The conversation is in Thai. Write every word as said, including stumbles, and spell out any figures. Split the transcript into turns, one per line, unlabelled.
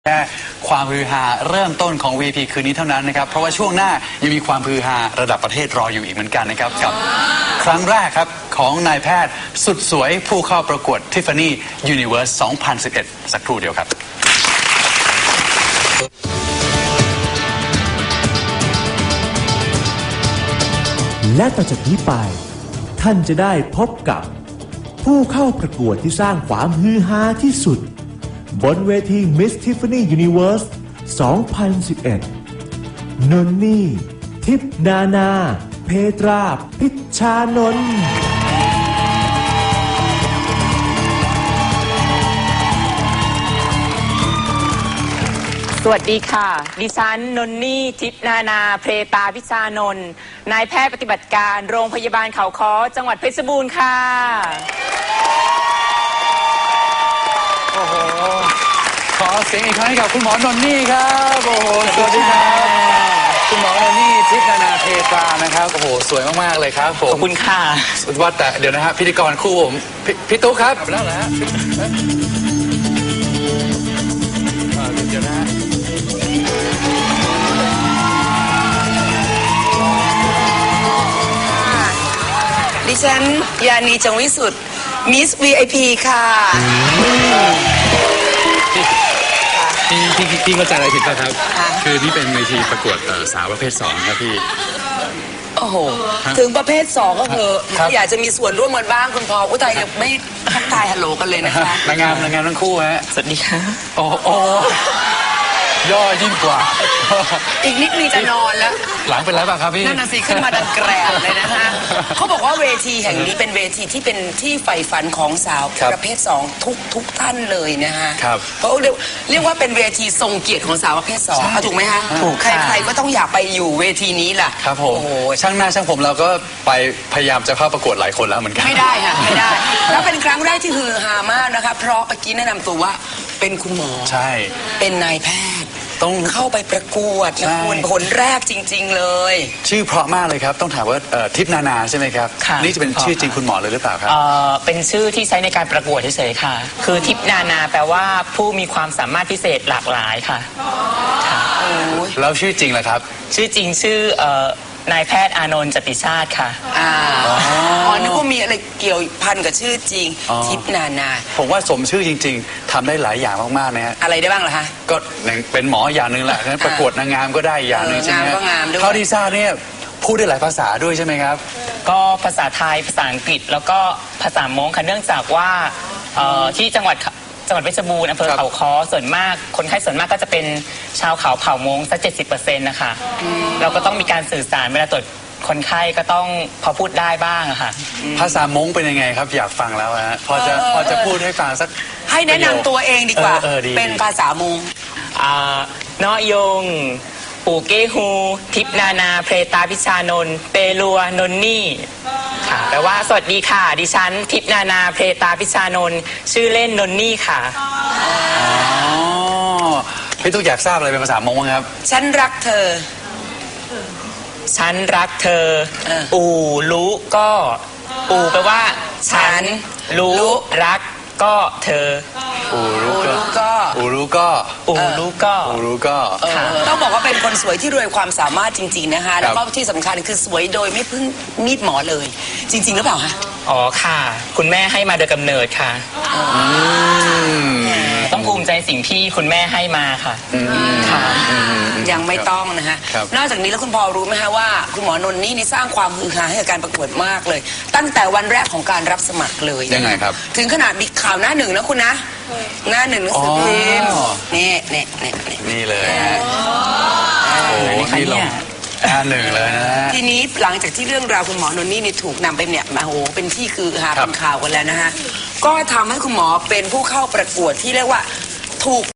แค่ความฮือฮาเริ่มต้นของ วี พี คืนนี้เท่านั้นนะครับเพราะว่าช่วงหน้ายังมีความฮือฮาระดับประเทศรออยู่อีกเหมือนกันนะครับกับครั้งแรกครับของนายแพทย์สุดสวยผู้เข้าประกวด Tiffany Universe สองพันสิบเอ็ด สักครู่เดียวครับ
และต่อจากนี้ไปท่านจะได้พบกับผู้เข้าประกวดที่สร้างความฮือฮาที่สุดบนเวที Miss Tiffany Universe สองพันสิบเอ็ด นนนี่ทิพนานาเพตราพิชชานนท์
สวัสดีค่ะดิฉันนนนี่ทิพนานาเพตาพิชานนท์นายแพทย์ปฏิบัติการโรงพยาบาลเขาค้อจังหวัดเพชรบูรณ์ค่ะ
โอ้โหขอเสียงอีกครั้งให้กับคุณหมอนนนี่ครับโอ้โหสวัสดีครับคุณหมอนนนี่ทิพนานาเพตรานะครับโอ้โหสวยมากๆเลยครับผม
ขอบคุณค่ะ
ว่าแต่เดี๋ยวนะฮะพิธีกรคู่ผมพี่ตุ๊กครับแล้วนะฮะเดี๋ยวนะฮะ
ดิฉันยานีจงวิสุทธิ์มิส วี ไอ พี ค่ะ
พี่พี่พี่เข้าใจอะไรผิดป่ะครับคือนี่เป็นเวทีประกวดสาวประเภทสองครับพี่
โอ้โหถึงประเภทสองก็เถอะอยากจะมีส่วนร่วมกันบ้างคุณพออุทัยยังไม่ทักทายฮัลโหลกันเลยนะคะ
นางงามนางงามทั้งคู่ฮะ
สวัสดีค่ะ
โอ้โอย่อยิ่งกว่า
อีกนิดนึงจะนอนแล้ว
หลังเป็นไรบ้างครับพี่
นั่นน่ะสิขึ้นมาดังแกรบเลยนะฮะเขาบอกว่าเวทีแห่งนี้เป็นเวทีที่เป็นที่ใฝ่ฝันของสาวประเภทสองทุกทุกท่านเลยนะฮะเพราะเรียกเรียกว่าเป็นเวทีทรงเกียรติของสาวประเภทสองถูกไหมฮะถูกใครๆก็ต้องอยากไปอยู่เวทีนี้ล่ะ
ครับผมช่างหน้าช่างผมเราก็ไปพยายามจะเข้าประกวดหลายคนแล้วเหมือนกัน
ไม่ได้ค่ะไม่ได้แล้วเป็นครั้งแรกที่ฮือฮามากนะคะเพราะเมื่อกี้แนะนำตัวว่าเป็นคุณหมอ
ใช่
เป็นนายแพทย์ต้องเข้าไปประกวดนะคุณผลแรกจริงๆเลย
ชื่อเพราะมากเลยครับต้องถามว่าทิพนานาใช่ไหมครับนี่จะเป็นชื่อจริงคุณหมอเลยหรือเปล่าครับ
เป็นชื่อที่ใช้ในการประกวดเฉยๆค่ะคือทิพนานาแปลว่าผู้มีความสามารถพิเศษหลากหลายค่ะ
แล้วชื่อจริงล่ะครับ
ชื่อจริงชื่อนายแพทย์อานนท์จติชาติค่ะ
อ๋อนึกว่ามีอะไรเกี่ยวพันกับชื่อจริงทิพนานา
ผมว่าสมชื่อจริงๆทำได้หลายอย่างมากๆนะฮะ
อะไรได้บ้างล่ะคะ
ก็เป็นหมออย่างหนึ่งแหละประกวดนางงามก็ได้อย่างหนึ่งใช่ไหมเท่าที่ทราบเนี่ยพูดได้หลายภาษาด้วยใช่ไหมครับ
ก็ภาษาไทยภาษาอังกฤษแล้วก็ภาษามงค่ะเนื่องจากว่าที่จังหวัดจังหวัดเพชรบูรณ์อำเภอเขาค้อส่วนมากคนไข้ส่วนมากก็จะเป็นชาวเขาเผ่ามงสักเจ็ดสิบเปอร์เซ็นต์นะคะเราก็ต้องมีการสื่อสารเวลาตรวจคนไข้ก็ต้องพอพูดได้บ้างอะค่ะ
ภาษามงเป็นยังไงครับอยากฟังแล้วฮะพอจะพอจะพูดให้ฟังสัก
ให้แนะนำตัวเองดีกว่าเป็นภาษามง
อ่านอยงปูเกฮูทิพนานาเพตาพิชานนท์เปรัวนนนี่ค่ะแปลว่าสวัสดีค่ะดิฉันทิพนานาเพตาพิชานนท์ชื่อเล่นนนนี่ค่ะ
อ๋อพี่ตุ๊กอยากทราบอะไรเป็นภาษามงไหมครับ
ฉันรักเธอ
ฉันรักเธออูรู้ก็อูแปลว่าฉันรู้รักก็เธอ
อูรู้ก็อูรู้ก็
อูรู้ก็
อูรู้ก็
ต้องบอกว่าเป็นคนสวยที่รวยความสามารถจริงๆนะคะแล้วก็ที่สำคัญคือสวยโดยไม่พึ่งมีดหมอเลยจริงๆหรือเปล่าคะ
อ๋อค่ะคุณแม่ให้มาโดยกำเนิดค่ะต้องภูมิใจสิ่งที่คุณแม่ให้มาค่ะ
ค่ะยังไม่ต้องนะฮะนอกจากนี้แล้วคุณพอรู้ไหมฮะว่าคุณหมอนนนี่นี่สร้างความฮือฮาให้กับการประกวดมากเลยตั้งแต่วันแรกของการรับสมัครเลย
ยังไงครับ
ถึงขนาดมีข่าวหน้าหนึ่งนะคุณนะหน้าหนึ่งหนังสือพิมพ์นี่นี่นี่
นี่เลยโอ้โหนี่ลงหน้าหนึ่งเลยนะ
ทีนี้หลังจากที่เรื่องราวคุณหมอนนนี่นี่ถูกนำไปเนี่ยมาโอ้โหเป็นที่คือฮาเป็นข่าวกันแล้วนะฮะก็ทำให้คุณหมอเป็นผู้เข้าประกวดที่เรียกว่าถูก